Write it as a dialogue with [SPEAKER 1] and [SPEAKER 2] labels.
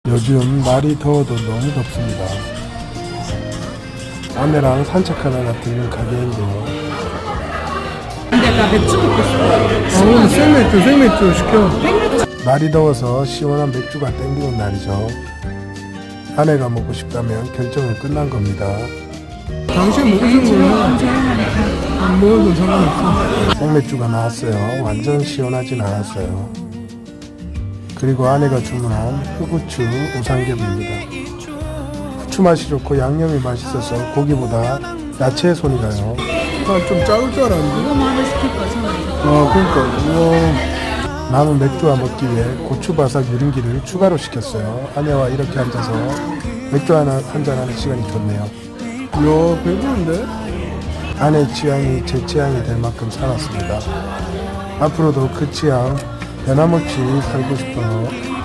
[SPEAKER 1] 요즘 날이 더워도 너무 덥습니다. 아내랑 산책하다가 들른 가게인데요.
[SPEAKER 2] 근데 나 맥주 먹고 싶어.
[SPEAKER 1] 오늘 생맥주 시켜. 날이 더워서 시원한 맥주가 땡기는 날이죠. 아내가 먹고 싶다면 결정은 끝난 겁니다. 당신 먹으신 거는 안 먹어도 상관없어. 생맥주가 나왔어요. 완전 시원하진 않았어요. 그리고 아내가 주문한 흑우추 우삼겹입니다. 후추 맛이 좋고 양념이 맛있어서 고기보다 야채에 손이 가요. 좀 작을 줄 알았는데.
[SPEAKER 2] 이거 뭐 하나 시킬 거야,
[SPEAKER 1] 그러니까 우와. 남은 맥주와 먹기 위해 고추바삭 유린기를 추가로 시켰어요. 아내와 이렇게 앉아서 맥주 한잔하는 시간이 좋네요. 이야, 배부른데? 아내 취향이 제 취향이 될 만큼 살았습니다. 앞으로도 그 취향 변함없이 살고 싶어요.